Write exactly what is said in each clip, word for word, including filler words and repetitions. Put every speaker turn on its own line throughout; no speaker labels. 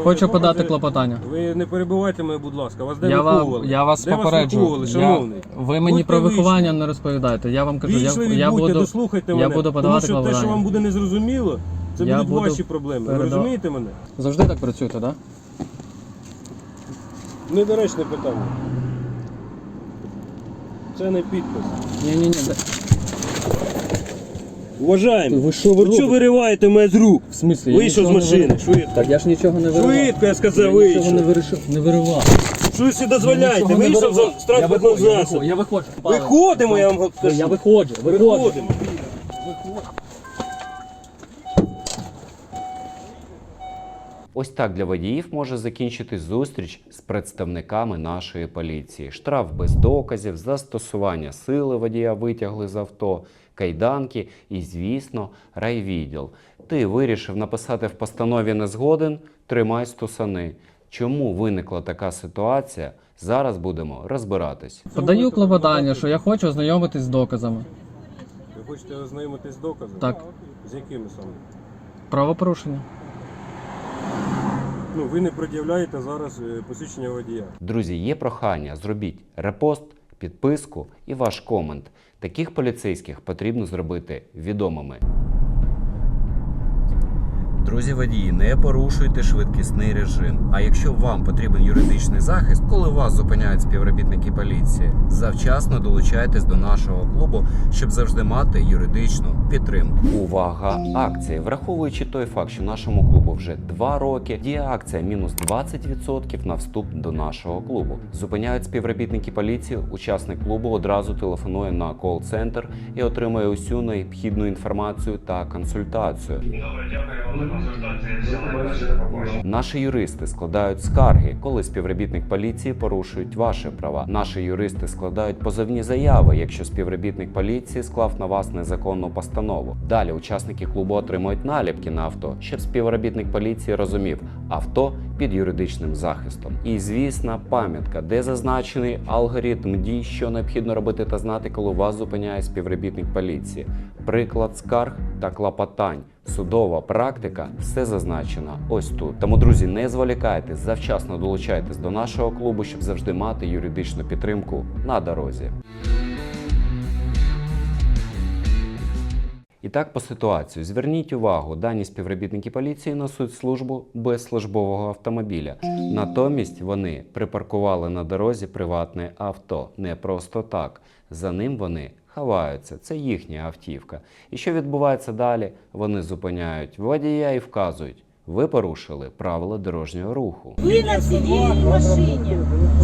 Хочу подати клопотання.
Ви не перебивайте мене, будь ласка. Вас де
Я, вам,
виховували?
я вас
де
попереджую.
Вас виховували,
Я,
шановний?
ви мені
Будьте
про виховання
вічливі.
не розповідаєте. Я вам кажу, я,
Вічливі
я
будьте,
буду,
дослухайте
я
мене.
буду
Тому
подавати
що те, що
клопотання.
вам буде незрозуміло, це
Я
будуть
буду
ваші проблеми. Ви
переда-
розумієте мене?
Завжди так працюєте, так? Да?
Недоречне питання. Це не підпис.
Ні-ні-ні.
Уважаємо.
Ви що ви
Ви що
робите?
вириваєте мене з рук?
В смислі? Я
Вийшов з
нічого не
машини.
вирив-
Швидко.
Так я ж нічого не виривав.
Швидко, я сказав,
Я нічого
вийшов.
не вирішив, не виривав.
Що ви собі
Я
дозволяєте?
нічого не
Вийшов
виривав.
з транспортного
Я виходжу,
засобу.
Я виходжу.
Виходимо, я вам кажу.
Я виходжу, виходжу.
Виходимо.
Ось так для водіїв може закінчитись зустріч з представниками нашої поліції. Штраф без доказів, застосування сили водія витягли з авто, кайданки і, звісно, райвідділ. Ти вирішив написати в постанові «не згоден» – тримай стусани. Чому виникла така ситуація? Зараз будемо розбиратись.
Подаю клопотання, що я хочу ознайомитись з доказами.
Ви хочете ознайомитись з доказами?
Так.
З якими саме?
Правопорушення.
Ну, ви не пред'являєте зараз е, посвідчення водія.
Друзі, є прохання, зробіть репост, підписку і ваш комент. Таких поліцейських потрібно зробити відомими. Друзі водії, не порушуйте швидкісний режим. А якщо вам потрібен юридичний захист, коли вас зупиняють співробітники поліції, завчасно долучайтесь до нашого клубу, щоб завжди мати юридичну підтримку. Увага! Акції. Враховуючи той факт, що нашому клубу вже два роки, діє акція мінус двадцять відсотків на вступ до нашого клубу. Зупиняють співробітники поліції, учасник клубу одразу телефонує на кол-центр і отримує усю необхідну інформацію та консультацію.
Добре, дякую вам за консультацію. Всього найкращого, до побачення.
Наші юристи складають скарги, коли співробітник поліції порушують ваші права. Наші юристи складають позовні заяви, якщо співробітник поліції склав на вас незаконну постанову. Далі учасники клубу отримують наліпки на авто, щоб співробітник поліції розумів – авто під юридичним захистом. І, звісно, пам'ятка, де зазначений алгоритм дій, що необхідно робити та знати, коли вас зупиняє співробітник поліції. Приклад скарг та клопотань. Судова практика, все зазначено ось тут. Тому, друзі, не зволікайте, завчасно долучайтесь до нашого клубу, щоб завжди мати юридичну підтримку на дорозі. І так по ситуації. Зверніть увагу, дані співробітники поліції несуть службу без службового автомобіля. Натомість вони припаркували на дорозі приватне авто. Не просто так. За ним вони ховаються. Це їхня автівка. І що відбувається далі? Вони зупиняють водія і вказують: ви порушили правила дорожнього руху.
Ви на цивільній машині.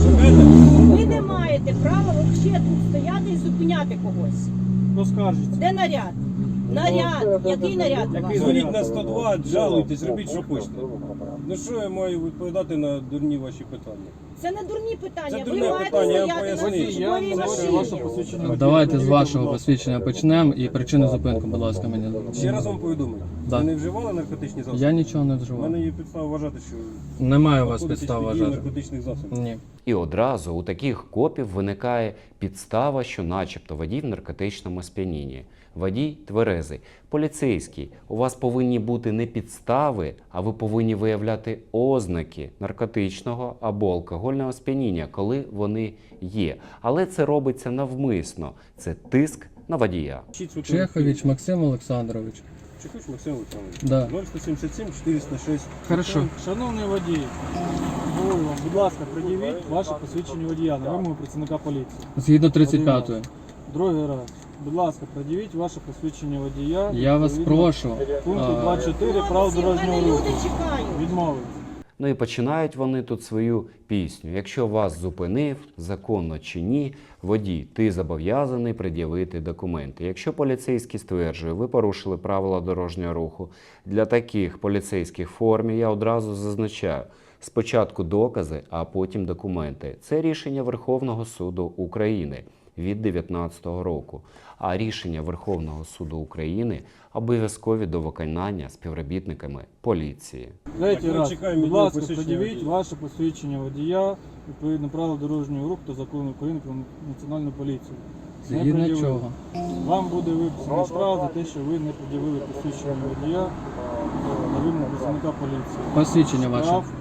Ви не маєте права взагалі тут стояти і зупиняти когось.
Поскаржіться.
Де наряд? Наряд. Який наряд у вас?
Дзвоніть на сто два, жалуйтесь, робіть, що хочете. Ну що я маю відповідати на дурні ваші питання?
Це не дурні питання.
Це
Ви
дурне
маєте
питання, я вам
стояти на
поясню.
службовій машині.
Давайте з вашого посвідчення почнемо і причину зупинку, будь ласка, мені.
Ще раз вам повідомлю.
Да.
Ви не вживали наркотичні засоби?
Я нічого не
У
вживав.
мене є підстава вважати, що
Немає у вас
знаходитесь
підстав
під дією
вважати.
наркотичних засобів.
Ні.
І одразу у таких копів виникає підстава, що начебто водій в наркотичному сп'янінні. Водій тверезий. Поліцейський, у вас повинні бути не підстави, а ви повинні виявляти ознаки наркотичного або алкогольного сп'яніння, коли вони є. Але це робиться навмисно. Це тиск на водія.
Чехович Максим Олександрович.
Чехович Максим Олександрович.
Да.
нуль сто сімдесят сім чотириста шість.
Хорошо.
Шановний водій, говорю вам, будь ласка, пред'явіть ваше посвідчення водія на вимогу працівника поліції.
Згідно тридцять п'ятої.
Другий раз. Будь ласка, пред'явіть ваше посвідчення водія.
Я вас
відповідно
прошу.
Пункту
а,
два чотири правил
Хлопці, в
дорожнього
мене
руху.
люди чекають.
Відмовити.
Ну і починають вони тут свою пісню. Якщо вас зупинив, законно чи ні, водій, ти зобов'язаний пред'явити документи. Якщо поліцейський стверджує, ви порушили правила дорожнього руху, для таких поліцейських в формі я одразу зазначаю: спочатку докази, а потім документи. Це рішення Верховного суду України від дев'ятнадцятого року. А рішення Верховного суду України обов'язкові до виконання співробітниками поліції.
Третій
Так, ми
раз.
чекаємо
Будь
відео
ласка,
посвідчення
пред'явіть
водія.
ваше посвідчення водія відповідно правил дорожнього руху та закону України про національну поліцію. Не
Згідно
пред'явили.
чого?
Вам буде виписаний штраф за те, що ви не пред'явили посвідчення водія на вимогу працівника поліції.
Посвідчення ваше.
Штраф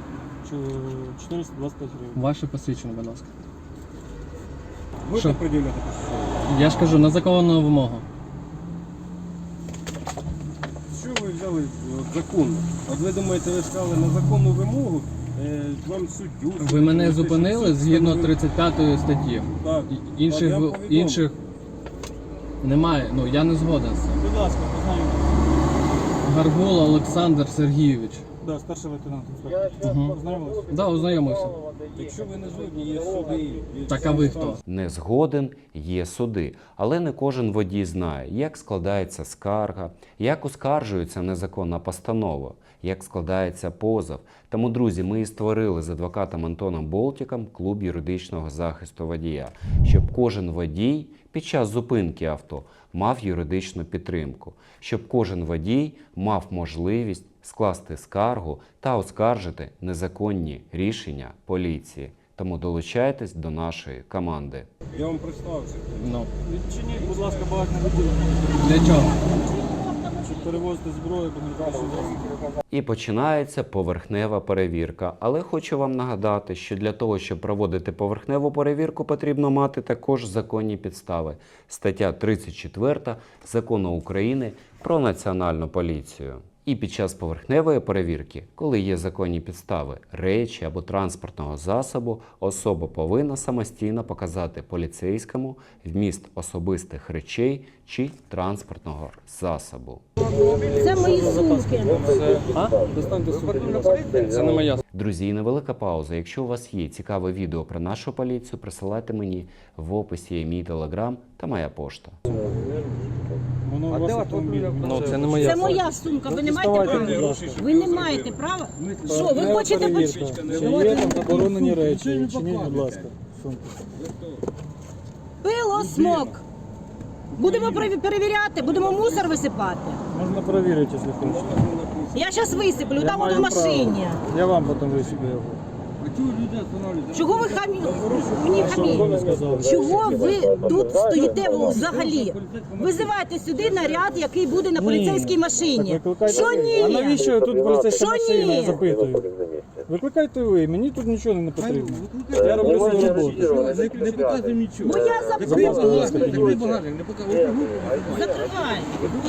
чо- чотириста двадцять п'ять гривень.
Ваше посвідчення, будь ласка.
Будете
Що?
приділяти посвідчення?
Я ж кажу, на законну вимогу.
Що ви взяли от, законно? От ви думаєте, ви сказали на законну вимогу, е, вам суддю...
Ви мене
суд,
зупинили
суд
згідно
встановив-
тридцять п'ятої статті.
Так.
І- Інших,
Так, я
ви-
повідомив.
інших немає. Ну, я не згоден з цим.
Будь ласка, познайомтесь.
Гаргула Олександр Сергійович.
Да, старший лейтенант інспектор.
Угу.
Познайомились?
Да, ознайомився.
Якщо ви не згодні, є суди. є
Так, а ви
інстанції.
хто?
Не згоден, є суди. Але не кожен водій знає, як складається скарга, як оскаржується незаконна постанова, як складається позов. Тому, друзі, ми і створили з адвокатом Антоном Болтіком клуб юридичного захисту водія, щоб кожен водій під час зупинки авто мав юридичну підтримку, щоб кожен водій мав можливість скласти скаргу та оскаржити незаконні рішення поліції. Тому долучайтесь до нашої команди.
Я вам представився.
Ну.
Відчиніть, будь ласка, багажне відділення,
Для чого?
щоб перевозити зброю по наркотичним засобам.
І починається поверхнева перевірка. Але хочу вам нагадати, що для того, щоб проводити поверхневу перевірку, потрібно мати також законні підстави. Стаття тридцять четверта Закону України про Національну поліцію. І під час поверхневої перевірки, коли є законні підстави речі або транспортного засобу, особа повинна самостійно показати поліцейському вміст особистих речей чи транспортного засобу.
Це мої сумки.
А? Достаньте сумку. Це не моя.
Друзі, і невелика пауза. Якщо у вас є цікаве відео про нашу поліцію, присилайте мені в описі є мій телеграм та моя пошта.
Воно у вас автомобіль.
Ну, це не моя.
Це моя сумка. Ви не маєте
Доставайте,
права.
будь ласка.
Ви не маєте права. Що, ви
Поверхнева
хочете
перевірка.
поч-
Чи є там заборонені речі? Відчиніть, будь ласка, сумку.
Пило, смок. Будемо перев- перевіряти, будемо мусор висипати.
Можна перевірити, якщо хочете.
Я зараз висиплю,
Я
там от
маю
в машині.
право. Я вам потім висиплю його.
Чого ви хамі... мені хамі?
сказали?
Чого ви тут стоїте взагалі? Визивайте сюди наряд, який буде на поліцейській машині.
Так викликайте
Що
ви.
ні?
А навіщо тут поліцейська
Що
машина, я
ні?
запитую. Викликайте ви, мені тут нічого не потрібно. Я роблю свою роботу.
Не показуй нічого.
Бо я
Закрий багажник,
запитую.
підніміть.
Закривай.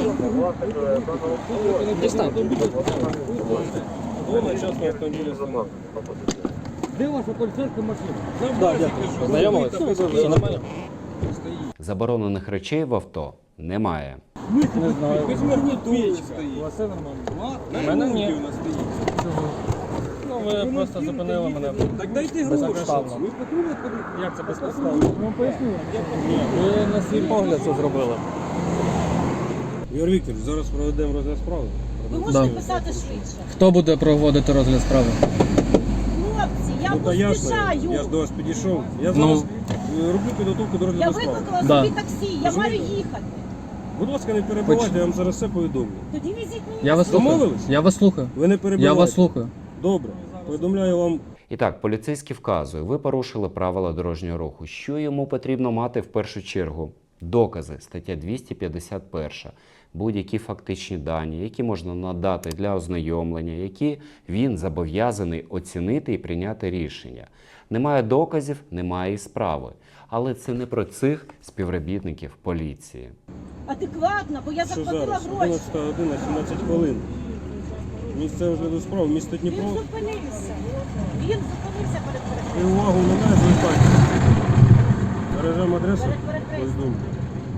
Вона частна автомобільна сама.
Де ваша поліцейська машина?
Да, дякую.
Знайомились? Все нормально?
Заборонених речей в авто немає.
Не знаю.
Без магнітоли
У
стоїть.
вас все нормально?
У мене ні.
У нас стоїть.
Ну, ви просто зупинили мене.
Так дайте гроші.
Безпідставно.
Ви патрульна поліція?
Як це безпідставно?
Ну, поясню.
Ви на свій погляд це зробили.
Ігор Вікторович, зараз проведемо розгляд справи.
Ви можете
Да.
писати швидше.
Хто буде проводити розгляд справи?
Хлопці, я
Ну, та ясно,
поспішаю.
я ж до вас підійшов. Я
Ну.
зараз е, роблю підготовку до
Я
розгляду справи.
викликала
Да.
собі таксі, я маю їхати.
Будь ласка, не перебувайте, я вам зараз все повідомлю.
Тоді візіть мені.
Я вас слухаю.
Домовились?
Я вас слухаю.
Ви не
Я
перебувайте.
вас слухаю.
Добре. Повідомляю вам.
І так, поліцейський вказує, ви порушили правила дорожнього руху. Що йому потрібно мати в першу чергу? Докази, стаття двісті п'ятдесят один. Будь-які фактичні дані, які можна надати для ознайомлення, які він зобов'язаний оцінити і прийняти рішення. Немає доказів, немає і справи. Але це не про цих співробітників поліції.
Адекватно, бо я
Що
заплатила
зараз?
гроші.
одинадцята година, сімнадцять хвилин. Місце розгляду справи, місто
Він
Дніпро.
зупинився. Він зупинився перед
І
перехрестям.
увагу на мене звертайте. Бережемо адресу.
Перед перехрестям.
Повідомлю.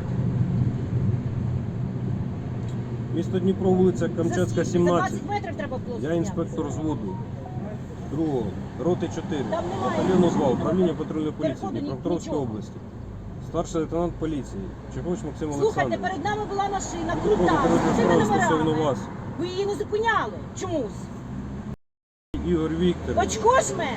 Місто Дніпро, вулиця Камчатська,
За скільки? За
сімнадцять.
двадцять метрів треба було
Я
зупинятися.
інспектор зводу. Другого, роти чотири,
Там немає
батальйону
нічого.
два, управління патрульної поліції
Переходу ні-
Дніпропетровської
нічого.
області. Старший лейтенант поліції Чехович Максим
Слухайте,
Олександрович.
перед нами була машина,
Дніпро,
крута, з
розгляд
цими
справи стосовно
номерами.
вас.
Ви її не зупиняли. Чомусь.
Ігор Вікторович.
Очко жме.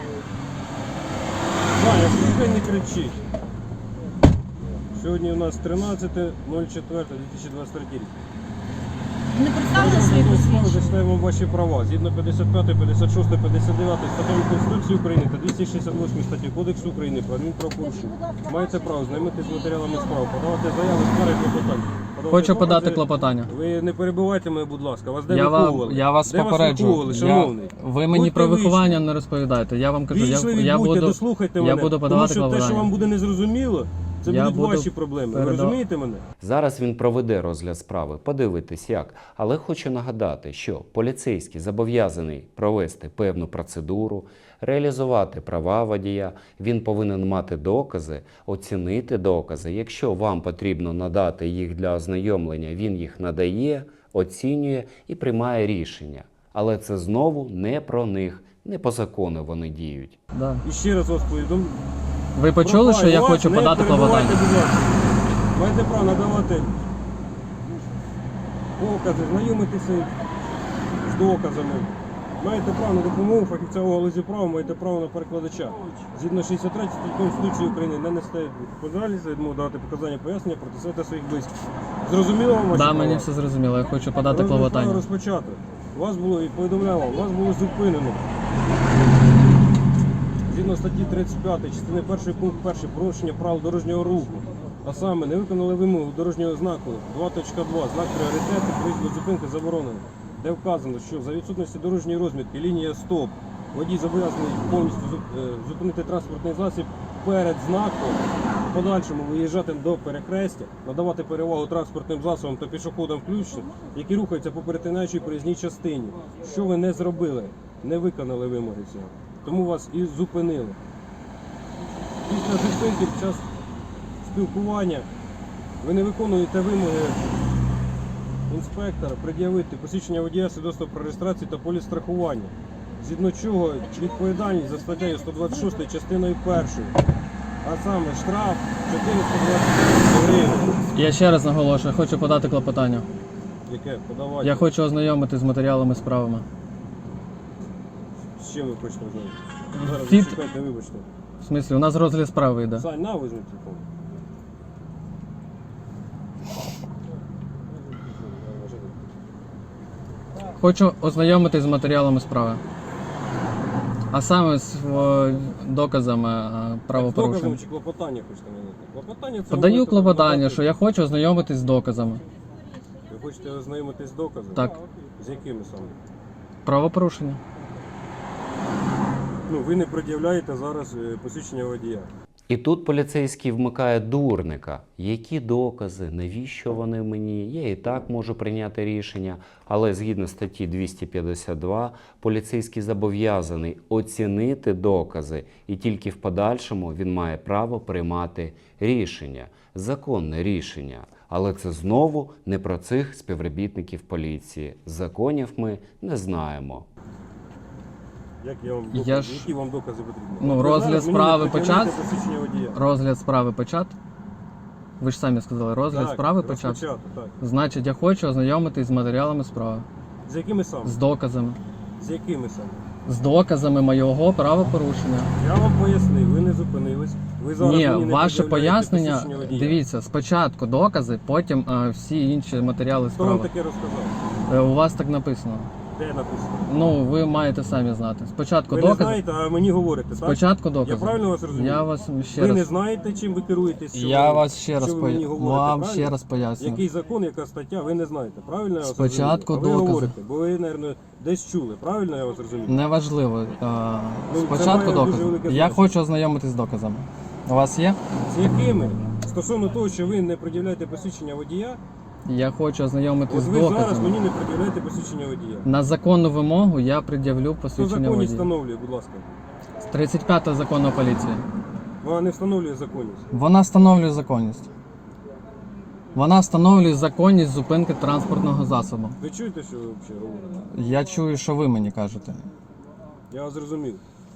Саня, слухай, не кричіть. Сьогодні у нас тринадцяте чотири дві тисячі двадцять третій рік.
Не представили свої
Ми
посвідчення.
зачитаємо ваші права. Згідно п'ятдесят п'ятої, п'ятдесят шостої, п'ятдесят дев'ятої статтями Конституції України та двісті шістдесят восьмої статті Кодексу України про адмінправопорушення. Маєте право знайомитися з матеріалами справи, подавати заяви, скарги, клопотання,
Хочу
докази.
подати клопотання.
Ви не перебивайте мене, будь ласка. Вас де
Я, вам,
виховували?
я вас
Де
попереджую.
виховували,
Я,
шановний?
ви мені
Будьте
про виховання
вічливі.
не розповідаєте. Я вам кажу, я,
Вічливі
я
будьте,
буду,
дослухайте
я
мене.
буду
Тому
подавати
що те, що
клопотання.
вам буде незрозуміло, це
Я
будуть
буду
ваші проблеми. Ви
передав-
розумієте мене?
Зараз він проведе розгляд справи, подивитись як. Але хочу нагадати, що поліцейський зобов'язаний провести певну процедуру, реалізувати права водія, він повинен мати докази, оцінити докази. Якщо вам потрібно надати їх для ознайомлення, він їх надає, оцінює і приймає рішення. Але це знову не про них, не по закону вони діють.
Да.
І ще раз вас повідомлю.
Ви почули, що я
Вас
хочу
не
подати
перебивайте,
клопотання?
будь ласка. Маєте право надавати покази, знайомитися з доказами. Маєте право на допомогу фахівця у галузі права, маєте право на перекладача. Згідно шістдесят третьої статті Конституції України не несте відповідальність за відмову давати показання пояснення проти себе та своїх близьких. Зрозуміло вам ваші
Да,
права?
мені все зрозуміло, я хочу подати
Розгляд справи
клопотання.
розпочато. Вас було, і повідомляв вам, вас було зупинено. Згідно статті тридцять п'ять, частини першої пункт перший, порушення правил дорожнього руху. А саме, не виконали вимогу дорожнього знаку два точка два, знак пріоритету, проїзду зупинки заборонено, де вказано, що за відсутності дорожньої розмітки, лінія стоп, водій зобов'язаний повністю зуп- е, зупинити транспортний засіб перед знаком, в подальшому виїжджати до перехрестя, надавати перевагу транспортним засобам та пішоходам включно, які рухаються по перетинаючій проїзній частині. Що ви не зробили, не виконали вимоги цього. Тому вас і зупинили. Після зупинки під час спілкування ви не виконуєте вимоги інспектора пред'явити посвідчення водія, свідоцтво про реєстрацію та поліс страхування. Згідно чого відповідальність за статтею сто двадцять шість частиною першою, а саме штраф чотириста двадцять гривень.
Я ще раз наголошую, я хочу подати клопотання.
Яке? Подавайте.
Я хочу ознайомитись з матеріалами справами.
З чим ви хочете знати? Зараз
Фіт-
зачекайте, вибачте.
В смислі, у нас розгляд справи йде.
Сань, на, візьми телефон.
Хочу ознайомитись з матеріалами справи. А саме з о, доказами е,
Доказом
правопорушень.
чи клопотання хочете надати? Клопотання це
Подаю
можете
клопотання,
надати.
що я хочу ознайомитись з доказами.
Ви хочете ознайомитись з доказами?
Так.
З якими саме?
Правопорушення.
Ну, ви не пред'являєте зараз е, посвідчення водія.
І тут поліцейський вмикає дурника. Які докази, навіщо вони мені? Я і так можу прийняти рішення. Але згідно статті двісті п'ятдесят два, поліцейський зобов'язаний оцінити докази, і тільки в подальшому він має право приймати рішення. Законне рішення. Але це знову не про цих співробітників поліції. Законів ми не знаємо.
Як я вам
Я
докази,
ж-
які вам докази потрібні?
Ну,
Ви
розгляд
зараз мені
справи
не пред'являєте
почат?
посвідчення водія.
Розгляд справи почат. Ви ж самі сказали, розгляд
Так,
справи почат.
розпочато, так.
Значить, я хочу ознайомитись з матеріалами справи.
З якими саме?
З доказами.
З якими саме?
З доказами моєго правопорушення.
Я вам пояснив, ви не зупинились. Ви зараз
Ні,
мені не
ваше
пред'являєте
пояснення,
посвідчення водія.
дивіться, спочатку докази, потім е, всі інші матеріали
Хто вам
справи.
таке розказав?
Е, у вас так написано.
Де написано?
Ну, ви маєте самі знати. Спочатку
Ви не
докази.
знаєте, а мені говорите, так?
Спочатку докази.
Я правильно вас розумію?
Я вас ще
ви
раз.
не знаєте, чим ви керуєтесь? що
Я
ви-
вас ще раз
що ви мені
поя...
говорите,
вам
правильно?
ще раз поясню.
Який закон, яка стаття, ви не знаєте. Правильно я вас
Спочатку
розумію? А ви
докази.
говорите, бо ви, мабуть, десь чули. Правильно я вас розумію?
Неважливо. Е,
Ну, це
Спочатку
має дуже
докази.
велике
Я
значення.
хочу ознайомитись з доказами. У вас є?
З якими? Стосовно того, що ви не пред'являєте посвідчення водія,
Я хочу ознайомитись
от
з
ви зараз
доказами.
мені не пред'являєте посвідчення водія.
На законну вимогу я пред'явлю
Хто
посвідчення
законність
водія.
встановлює, будь ласка?
тридцять п'ята закону поліції.
Вона не встановлює законність.
Вона встановлює законність. Вона встановлює законність зупинки транспортного засобу.
Ви чуєте, що ви взагалі говорите?
Я чую, що ви мені кажете.
Я вас зрозумів.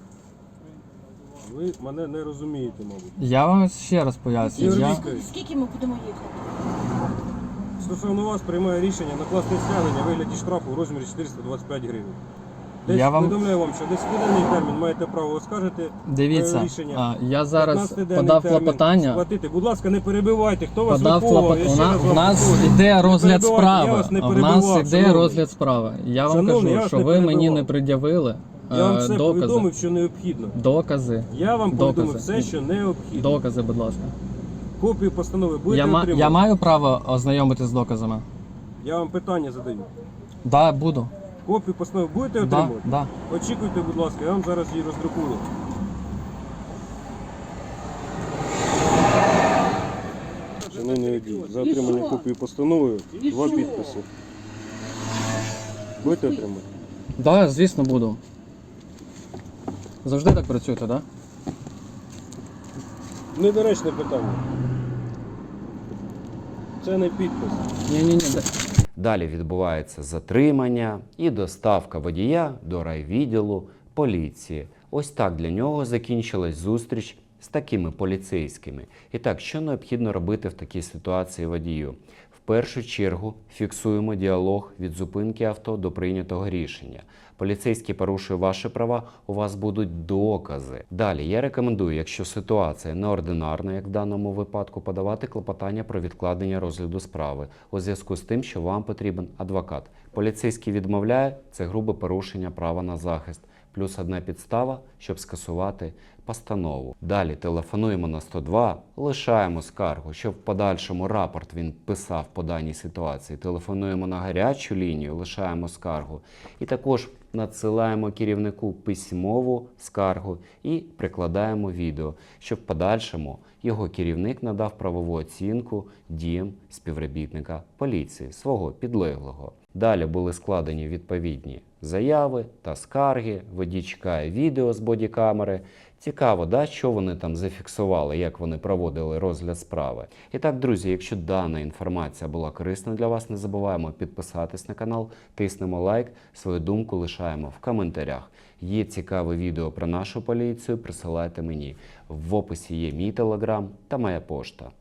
Ви мене не розумієте, мабуть.
Я вам ще раз пояснюю.
Ігор
Я...
Вікторович,
Скільки ми будемо їхати?
стосовно вас приймає рішення накласти стягнення в вигляді штрафу в розмірі чотириста двадцять п'ять гривень. Десь
Я вам-
повідомляю вам, що десь денний термін маєте право оскаржити
Дивіться,
е, рішення.
а, я зараз
п'ятнадцятиденний
подав
термін
клопотання.
сплатити. Будь ласка, не перебивайте. Хто вас
Подав
виховував? Я
клопот... У,
ще
на...
раз
у
вам
нас
повторюю.
іде
Не
розгляд
перебивайте, я
справи.
вас не
У нас
перебивав,
іде
шановний.
розгляд справи. Я вам
Шановний, я
кажу,
вас
що
не
ви мені
перебивав.
не пред'явили
Я вам
е,
все
докази.
повідомив, що необхідно.
Докази.
Я вам
Докази.
повідомив все, що необхідно.
Докази, будь ласка.
Копію постанови будете
Я, ма-
отримувати?
я маю право ознайомитись з доказами?
Я вам питання задаю.
Да, буду.
Копію постанови будете
Да,
отримувати?
да.
Очікуйте, будь ласка, я вам зараз її роздрукую. Шановний водій, за отримання копії постанови два підписи. Будете отримати?
Да, звісно, буду. Завжди так працюєте, да?
Недоречне питання. Це не підпис.
Ні-ні-ні.
Далі відбувається затримання і доставка водія до райвідділу поліції. Ось так для нього закінчилась зустріч з такими поліцейськими. І так, що необхідно робити в такій ситуації водію? В першу чергу фіксуємо діалог від зупинки авто до прийнятого рішення. Поліцейський порушує ваші права, у вас будуть докази. Далі, я рекомендую, якщо ситуація неординарна, як в даному випадку, подавати клопотання про відкладення розгляду справи у зв'язку з тим, що вам потрібен адвокат. Поліцейський відмовляє – це грубе порушення права на захист. Плюс одна підстава, щоб скасувати постанову. Далі телефонуємо на сто два, лишаємо скаргу, щоб в подальшому рапорт він писав по даній ситуації. Телефонуємо на гарячу лінію, лишаємо скаргу. І також надсилаємо керівнику письмову скаргу і прикладаємо відео, щоб в подальшому його керівник надав правову оцінку діям співробітника поліції, свого підлеглого. Далі були складені відповідні заяви та скарги, водій чекає відео з бодікамери. Цікаво, да, що вони там зафіксували, як вони проводили розгляд справи. І так, друзі, якщо дана інформація була корисна для вас, не забуваємо підписатись на канал, тиснемо лайк, свою думку лишаємо в коментарях. Є цікаве відео про нашу поліцію, присилайте мені. В описі є мій телеграм та моя пошта.